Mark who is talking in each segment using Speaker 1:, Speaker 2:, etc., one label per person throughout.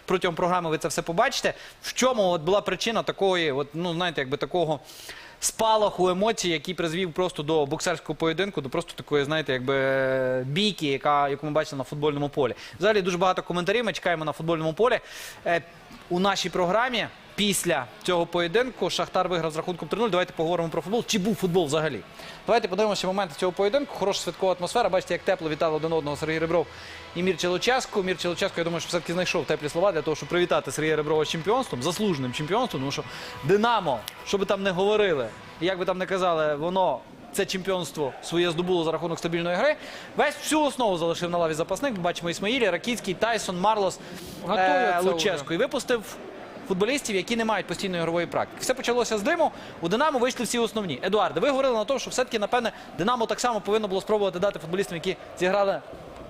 Speaker 1: протягом програми ви це все побачите. В чому от була причина такої, от, ну, знаєте, якби такого спалаху емоцій, який призвів просто до боксерського поєдинку, до просто такої, знаєте, якби бійки, яку ми бачили на футбольному полі. Взагалі дуже багато коментарів ми чекаємо на футбольному полі. У нашій програмі після цього поєдинку Шахтар виграв з рахунком 3-0. Давайте поговоримо про футбол. Чи був футбол взагалі? Давайте подивимося моменти цього поєдинку. Хороша святкова атмосфера. Бачите, як тепло вітали один одного Сергій Ребров і Мірча Луческу. Мірча Луческу, я думаю, що все-таки знайшов теплі слова для того, щоб привітати Сергія Реброва з чемпіонством, заслуженим чемпіонством. Тому що Динамо, що би там не говорили, і як би там не казали, воно це чемпіонство своє здобуло за рахунок стабільної гри. Всю основу залишив на лаві запасних. Ми бачимо Ісмаїлі, Ракіцький, Тайсон, Марлос, Луческу. І випустив футболістів, які не мають постійної ігрової практики. Все почалося з Диму. У Динамо вийшли всі основні. Едуарде, ви говорили на те, що все-таки, напевне, Динамо так само повинно було спробувати дати футболістам, які зіграли,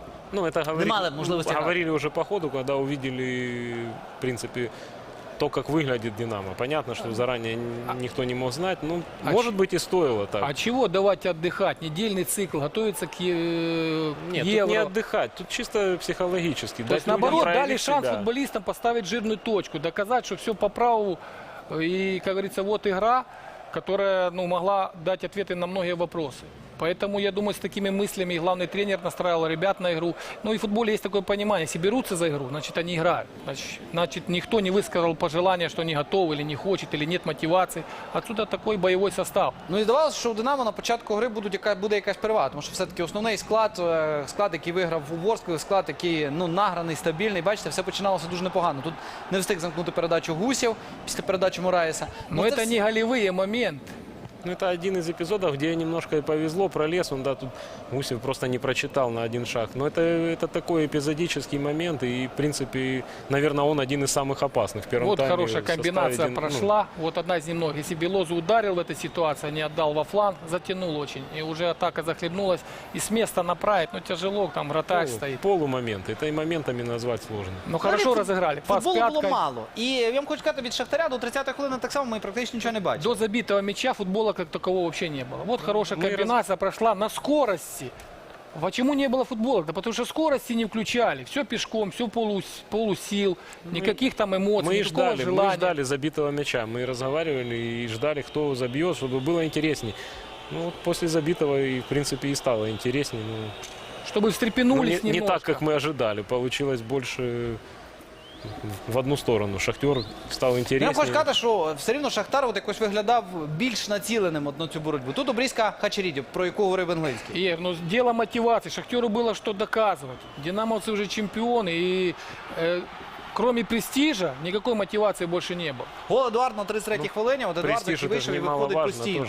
Speaker 1: не мали можливості грати.
Speaker 2: Говорили уже по ходу, когда увидели, в принципе, то, как выглядит «Динамо». Понятно, что заранее никто не мог знать. Ну, может быть, и стоило так.
Speaker 3: А чего давать отдыхать? Недельный цикл, готовиться к
Speaker 2: Нет,
Speaker 3: Евро.
Speaker 2: тут не отдыхать, тут чисто психологически.
Speaker 3: То есть, наоборот, дали шанс футболистам поставить жирную точку, доказать, что все по праву. И, как говорится, вот игра, которая могла дать ответы на многие вопросы. Поэтому, я думаю, с такими мыслями и главный тренер настраивал ребят на игру. Ну и в футболе есть такое понимание, если берутся за игру, значит они играют. Значит никто не высказал пожелания, что не готов или не хочет, или нет мотивации. Отсюда такой бойовий состав.
Speaker 1: Ну і здавалося, що у Динамо на початку гри буде якась перевага, тому що все-таки основний склад, який виграв у Ворсклі, склад, який награний, стабільний. Бачите, все починалося дуже непогано. Тут не встиг замкнути передачу Гусєв після передачі Мураєса.
Speaker 3: Но это не голевые моменты.
Speaker 2: Ну, это один из эпизодов, где немножко и повезло, пролез. Он, да, тут Гусев просто не прочитал на один шаг. Но это такой эпизодический момент. И, в принципе, наверное, он один из самых опасных в первом тайме.
Speaker 3: Вот хорошая комбинация прошла. Вот одна из немногих. Если Белозу ударил в этой ситуации, не отдал во фланг, затянул очень. И уже атака захлебнулась. И с места направить, ну, тяжело, там вратарь стоит.
Speaker 2: Полумоменты. Это и моментами назвать сложно.
Speaker 3: Ну, хорошо разыграли.
Speaker 1: Футболу було мало. І я вам хочу сказати, від Шахтаря до 30-ї хвилини так само ми практично нічого не бачили.
Speaker 3: До забитого мяча футбола как такового вообще не было. Вот хорошая комбинация прошла на скорости. Почему не было футбола? Да потому что скорости не включали. Все пешком, все полусил, никаких там эмоций, никакого желания.
Speaker 2: Мы ждали забитого мяча. Мы разговаривали и ждали, кто забьет, чтобы было интересней. Ну, вот после забитого, и, в принципе, и стало интересней. Ну,
Speaker 3: чтобы встрепенулись
Speaker 2: не
Speaker 3: немножко.
Speaker 2: так, как мы ожидали. Получилось больше в одну сторону. Шахтер став інтереснішим.
Speaker 1: Я хочу сказати, що все рівно Шахтар от якось виглядав більш націленим на цю боротьбу. Тут обрізка Хачеріді, про яку говорив Англійський.
Speaker 3: Ир, ну дело мотивации. Шахтеру было что доказывать. Динамовцы уже чемпионы. И кроме престижа никакой мотивации больше не было.
Speaker 1: Гол Едуард на 33-й хвилині. От Едуард, який вийшов і виходить постійно.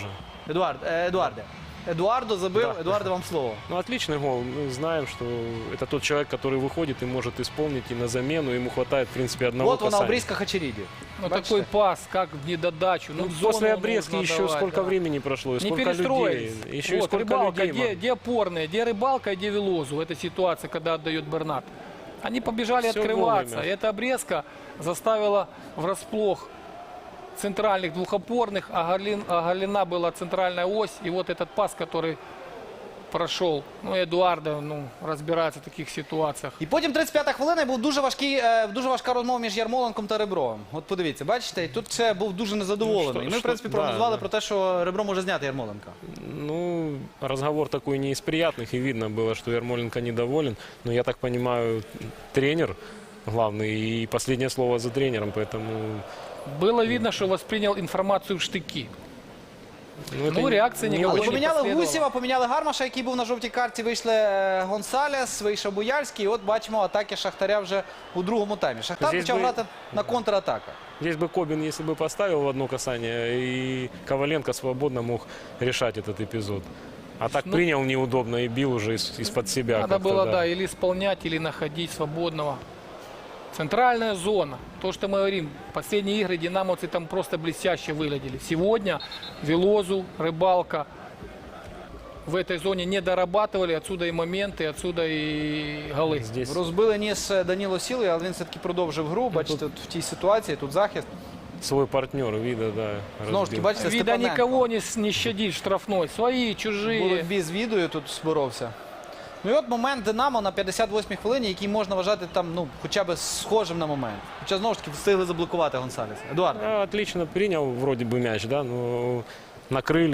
Speaker 1: Едуардо забил. Да. Эдуарде, вам слово.
Speaker 2: Ну, отличный гол. Мы знаем, что это тот человек, который выходит и может исполнить и на замену. Ему хватает, в принципе, одного
Speaker 1: касания.
Speaker 2: Вот
Speaker 1: она обрезка Хачеріді.
Speaker 3: Ну, такой пас, как в недодачу.
Speaker 2: Ну, после обрезки еще давать, сколько времени прошло, и сколько людей. Еще
Speaker 3: вот,
Speaker 2: и сколько
Speaker 3: Рыбалка,
Speaker 2: людей.
Speaker 3: где опорные, где Рыбалка, где Велозу в этой ситуации, когда отдает Бернат. Они побежали все открываться. И эта обрезка заставила врасплох центральных двухопорных, оголена была центральная ось. И вот этот пас, который прошел. Ну, Едуардо розбирається в таких ситуаціях.
Speaker 1: І потім 35-та хвилина, був дуже важка розмова між Ярмоленком та Ребровим. От подивіться, бачите, і тут ще був дуже незадоволений. І ми, в принципі, прогнозували про те, що Ребров може зняти Ярмоленка.
Speaker 2: Ну, разговор такой не из приятных, и видно было, что Ярмоленко недоволен. Но я так понимаю, тренер главный, и последнее слово за тренером, поэтому...
Speaker 3: Было видно, что воспринял информацию в штыки. Ну, реакції ніякої не
Speaker 1: поміняли
Speaker 3: последовало.
Speaker 1: Гусєва, поміняли Гармаша, який був на жовтій карті, вийшли Гонсалес, вийшов Буяльський. І от бачимо атаки Шахтаря вже у другому таймі. Шахтар почав грати на контратаках.
Speaker 2: Здесь бы Кобин, если бы поставил в одно касание, и Коваленко свободно мог решать этот эпизод. А так принял неудобно и бил уже из-под себя.
Speaker 3: Надо было, да, или исполнять, или находить свободного. Центральная зона. То, что мы говорим, последние игры динамовцы там просто блестяще выглядели. Сегодня Велозу, Рыбалка в этой зоне не дорабатывали. Отсюда и моменты, отсюда и голы.
Speaker 1: Здесь розбили ніс Даніло Сілий, але він все-таки продовжив гру. Бачите, в тій ситуації, тут захист.
Speaker 2: Свой партнер, Вида, да,
Speaker 1: знову ж таки, бачите,
Speaker 3: Вида никого не щадит штрафной. Свои, чужие.
Speaker 1: В боротьбі з Відою тут зборовся. Ну і от момент Динамо на 58-й хвилині, який можна вважати там, ну, хоча б схожим на момент. Хоча знову ж таки встигли заблокувати Гонсалеса. Едуард.
Speaker 2: Отлично принял вроде бы мяч, да, но накрыли,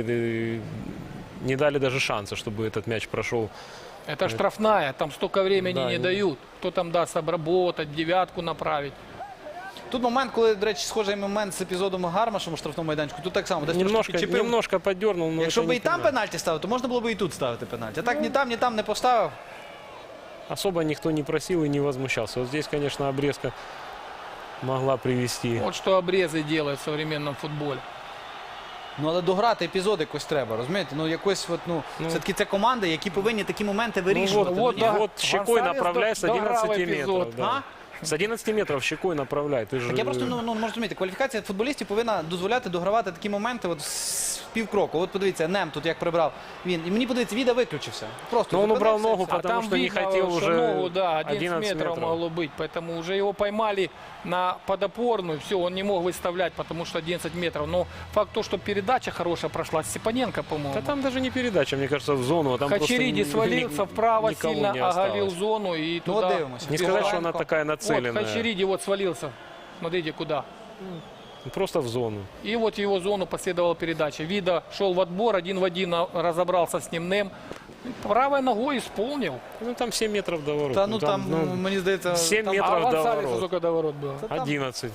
Speaker 2: не дали даже шанса, чтобы этот мяч прошел.
Speaker 3: Это штрафная, там столько времени
Speaker 2: Да,
Speaker 3: не
Speaker 2: и-
Speaker 3: дают. Кто там даст обработать, девятку направить.
Speaker 1: Тут момент, коли, до речі, схожий момент з епізодом Гармашем у штрафному майданчику. Тут так само, десь
Speaker 2: Немножко,
Speaker 1: трошки чіпив.
Speaker 2: немножко подернул, но
Speaker 1: Якщо
Speaker 2: это
Speaker 1: б
Speaker 2: не
Speaker 1: і там
Speaker 2: пенальти.
Speaker 1: пенальті ставив, то можна було б і тут ставити пенальті. А так ні там не поставив.
Speaker 2: Особо никто не просил и не возмущался. Вот здесь, конечно, обрезка могла привести.
Speaker 3: Вот что обрезы делают в современном футболе.
Speaker 1: Ну, але дограти епізод якось треба, розумієте? Ну, якось, от, ну, все-таки це команди, які повинні такі моменти вирішувати.
Speaker 3: вот,
Speaker 1: Ну,
Speaker 3: да.
Speaker 2: Вот щекой
Speaker 3: Гонсалес
Speaker 2: направляй с
Speaker 3: дограл
Speaker 2: 11
Speaker 3: эпизод.
Speaker 2: метров. Да. С 11 метров щекой направляй. Ты же...
Speaker 1: Так я просто ну, можу розуміти, кваліфікація футболістів повинна дозволяти догравати такі моменти от з півкроку. От подивіться, Нем тут як прибрав. Він. І мені подивіться, Віда виключився. Просто
Speaker 2: Но он убрал
Speaker 1: зупинився і
Speaker 2: ногу,
Speaker 1: все.
Speaker 2: потому
Speaker 3: там
Speaker 2: что не
Speaker 3: видно,
Speaker 2: хотел
Speaker 3: что
Speaker 2: уже
Speaker 3: ногу, да, 11
Speaker 2: 11
Speaker 3: метров могло быть. Поэтому уже его поймали на подопорную. Все, он не мог выставлять, потому что 11 метров. Но факт то, что передача хорошая прошла. Степаненко, по-моему.
Speaker 2: Да там даже не передача, мне кажется, в зону. А там
Speaker 3: Хачериди
Speaker 2: просто
Speaker 3: свалился вправо,
Speaker 2: никого
Speaker 3: сильно
Speaker 2: не
Speaker 3: оголил
Speaker 2: осталось.
Speaker 3: зону и
Speaker 1: Ну,
Speaker 3: туда.
Speaker 1: вот дивимося.
Speaker 2: Не сказать, что она
Speaker 1: Пивоваренко.
Speaker 2: такая
Speaker 3: Вот
Speaker 2: нацеленная.
Speaker 3: Хачериди вот свалился. Смотрите, куда.
Speaker 2: Просто в зону.
Speaker 3: И вот в его зону последовала передача. Вида шел в отбор, один в один разобрался с ним Нем. Правой ногой исполнил.
Speaker 2: Ну там 7 метров до ворот.
Speaker 1: Та ну там, мені здається,
Speaker 2: 7
Speaker 1: там-
Speaker 2: метров.
Speaker 3: А
Speaker 2: до
Speaker 3: Гонсалесу
Speaker 2: ворот.
Speaker 3: сколько до ворот было?
Speaker 2: 11.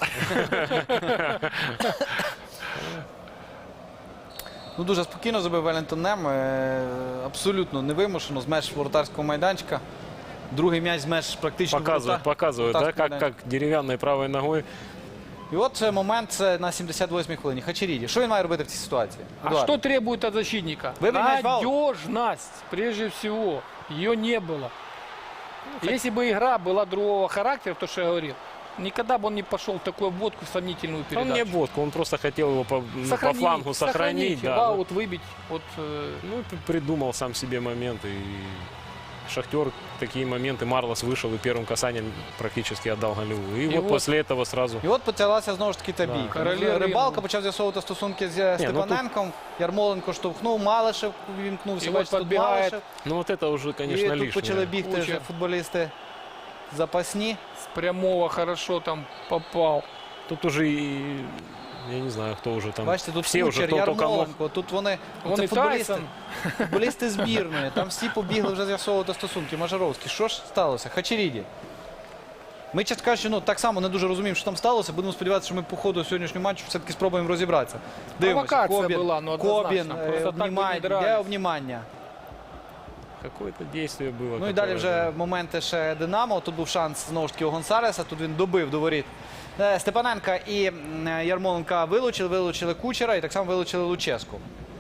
Speaker 1: Ну, дуже спокійно забив Велінтон Нем. Абсолютно невимушено з меж воротарського майданчика. Другий м'яч з меж практично
Speaker 2: Показывают, показывают, да, как деревянной правой ногой.
Speaker 1: І от це момент це на 78-й хвилині. Хачеріді. Що він має робити в цій ситуації?
Speaker 3: А
Speaker 1: Едуард.
Speaker 3: что требует от защитника?
Speaker 1: Выбей мяч в аут.
Speaker 3: Надежность, прежде всего. Ее не было. Если бы игра была другого характера, то, что я говорил, никогда бы он не пошел в такую обводку, в сомнительную
Speaker 2: Он не
Speaker 3: передачу.
Speaker 2: водку, он просто хотел его по флангу сохранить.
Speaker 3: в
Speaker 2: Да.
Speaker 3: аут выбить. Вот,
Speaker 2: Ну, придумал сам себе моменты. И Шахтер такие моменты. Марлос вышел и первым касанием практически отдал голевую. И,
Speaker 3: И
Speaker 2: вот
Speaker 3: вот-
Speaker 2: после этого сразу...
Speaker 1: І от почалася знову ж таки та
Speaker 2: Да.
Speaker 1: бійка.
Speaker 3: Короля
Speaker 1: Рибалка
Speaker 3: ринку.
Speaker 1: почав з'ясовувати стосунки з
Speaker 2: ну
Speaker 1: Степаненком. Ярмоленко штовхнув, Малишев вімкнувся.
Speaker 3: І от
Speaker 1: Бачите, тут
Speaker 3: підбігає.
Speaker 1: Малишев.
Speaker 2: Ну вот это уже,
Speaker 1: І
Speaker 2: конечно,
Speaker 1: тут
Speaker 2: лишнее.
Speaker 1: почали бігти
Speaker 3: Куча.
Speaker 1: вже футболісти запасні.
Speaker 3: с прямого хорошо там попал.
Speaker 2: Тут уже и... Я не знаю, кто уже там.
Speaker 1: Бачите, тут
Speaker 2: все уже,
Speaker 1: Кучер,
Speaker 2: кто только мог.
Speaker 1: Ярмоленко. Тут вони,
Speaker 3: Вон
Speaker 1: це
Speaker 3: і
Speaker 1: футболісти,
Speaker 3: Тайсон.
Speaker 1: футболісти збірної. Там всі побігли вже з'ясовувати стосунки. Мажаровський. Що ж сталося? Хачеріді. Ми, чесно кажучи, ну, так само не дуже розуміємо, що там сталося. Будемо сподіватися, що ми по ходу сьогоднішнього матчу все-таки спробуємо розібратися. Дивимося.
Speaker 3: Провокація була, ну, однозначно.
Speaker 1: Кобін,
Speaker 3: Просто так би не
Speaker 1: обнімання.
Speaker 3: дрались.
Speaker 1: Де обнімання?
Speaker 2: Какое-то действие было.
Speaker 1: Ну і далі вже моменти ще Динамо. Тут був шанс знову ж таки у Гонсалеса. Тут він добив до воріт Степаненка і Ярмоленка вилучили Кучера і так само вилучили Луческу.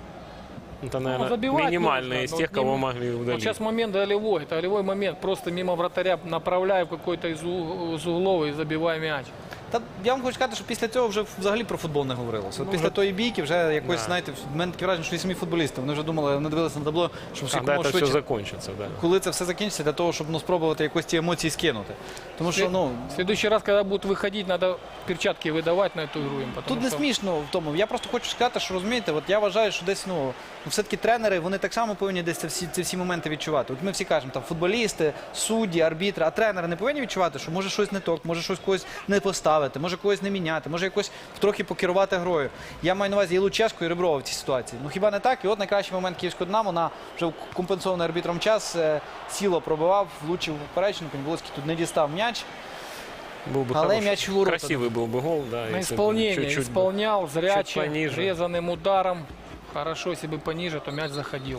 Speaker 2: Это, наверное,
Speaker 3: забивать
Speaker 2: минимальные
Speaker 3: нужно,
Speaker 2: из
Speaker 3: но
Speaker 2: тех,
Speaker 3: к нему-
Speaker 2: кого могли
Speaker 3: Вот
Speaker 2: удалить.
Speaker 3: сейчас момент голевой. Это голевой момент. Просто мимо вратаря направляю в какой-то из углов и забиваю мяч.
Speaker 1: Та я вам хочу сказати, що після цього вже взагалі про футбол не говорилося. От після тої бійки вже якось,
Speaker 2: Да.
Speaker 1: знаєте, в мене таке враження, що і самі футболісти. Вони вже думали, вони дивилися на табло, щоб
Speaker 2: Когда
Speaker 1: якомога
Speaker 2: это все
Speaker 1: швидше,
Speaker 2: закончится, да.
Speaker 1: коли це все закінчиться, для того, щоб ну, спробувати якось ці емоції скинути. Тому що, ну,
Speaker 3: В следующий раз, когда будут выходить, надо перчатки выдавать на эту игру им. Потому
Speaker 1: тут не
Speaker 3: что
Speaker 1: смішно в тому. Я просто хочу сказати, що розумієте, от я вважаю, що десь ну все-таки тренери вони так само повинні десь ці всі моменти відчувати. От ми всі кажемо, там футболісти, судді, арбітри, а тренери не повинні відчувати, що може щось не так, може щось когось не поставити, може когось не міняти, може якось трохи покерувати грою. Я маю на увазі і Луческу, і Реброва в цій ситуації. Ну хіба не так? І от найкращий момент київського Динамо на вже компенсований арбітром час. Сіло пробивав, влучив в поперечину, Коньболоцький тут не дістав м'яч.
Speaker 2: Был бы
Speaker 1: Але
Speaker 2: хороший,
Speaker 1: мяч в ворота.
Speaker 2: красивый был бы гол, да.
Speaker 3: на
Speaker 2: если бы
Speaker 3: исполнение
Speaker 2: чуть-чуть бы.
Speaker 3: исполнял, зряче,
Speaker 2: пониже.
Speaker 3: резаным ударом. Хорошо, если бы пониже, то мяч заходил.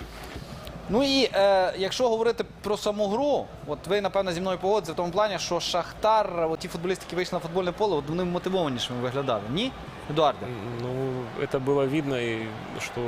Speaker 1: Ну і якщо говорити про саму гру, от ви, напевно, зі мною погодите в тому плані, що Шахтар, от ті футболісти, які вийшли на футбольне поле, от вони мотивованішими виглядали. Ні, Едуарде?
Speaker 2: Ну, это было видно, и что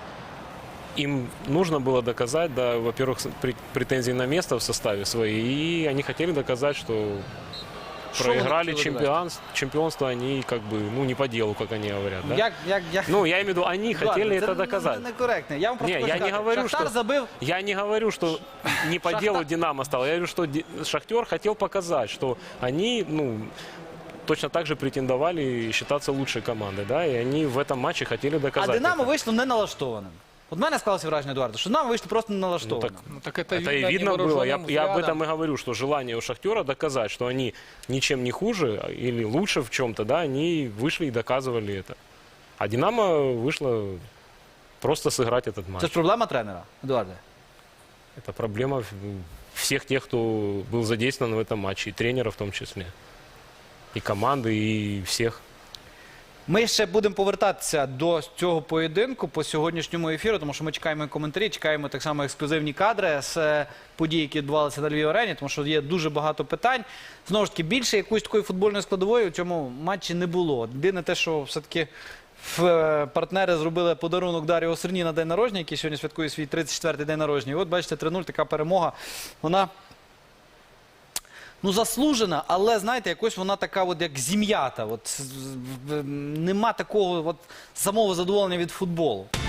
Speaker 2: им нужно было доказать, да, во-первых, претензии на место в составе свои, и они хотели доказать, что
Speaker 1: Что
Speaker 2: проиграли
Speaker 1: они хотели доказать?
Speaker 2: чемпионство, они как бы, ну, не по делу, как они говорят, да?
Speaker 1: Як...
Speaker 2: Ну, я имею в виду, они хотели
Speaker 1: Едуарде,
Speaker 2: это доказать.
Speaker 1: Це некоректно. Я вам просто
Speaker 2: Не,
Speaker 1: хочу
Speaker 2: я не
Speaker 1: сказати,
Speaker 2: говорю,
Speaker 1: Шахтар
Speaker 2: що-
Speaker 1: забив.
Speaker 2: Я не говорю, что не по
Speaker 1: Шахтар-
Speaker 2: делу Динамо стало. Я говорю, что Шахтер хотел показать, что они, ну, точно так же претендовали считаться лучшей командой, да, и они в этом матче хотели
Speaker 1: А
Speaker 2: доказать.
Speaker 1: Динамо
Speaker 2: это.
Speaker 1: вийшло не налаштованим. От в мене склалося враження, Едуарdo, що нам вийшли просто не налаштовані.
Speaker 3: Ну, так это,
Speaker 2: Это и видно было. Я об
Speaker 3: взглядом.
Speaker 2: этом и говорю, что желание у Шахтера доказать, что они ничем не хуже или лучше в чем-то, да, они вышли и доказывали это. А Динамо вышло просто сыграть этот матч.
Speaker 1: Це ж проблема тренера, Едуарде.
Speaker 2: Это проблема всех тех, кто был задействован в этом матче, и тренера в том числе, и команды, и всех.
Speaker 1: Ми ще будемо повертатися до цього поєдинку по сьогоднішньому ефіру, тому що ми чекаємо і коментарі, чекаємо так само ексклюзивні кадри з подій, які відбувалися на Львів-арені, тому що є дуже багато питань. Знову ж таки, більше якоїсь такої футбольної складової у цьому матчі не було. Єдине те, що все-таки партнери зробили подарунок Даріо Серні на день народження, який сьогодні святкує свій 34-й день народження. І от, бачите, 3-0, така перемога. Вона, ну, заслужена, але, знаєте, якось вона така, от, як зім'ята. От, нема такого от, самого задоволення від футболу.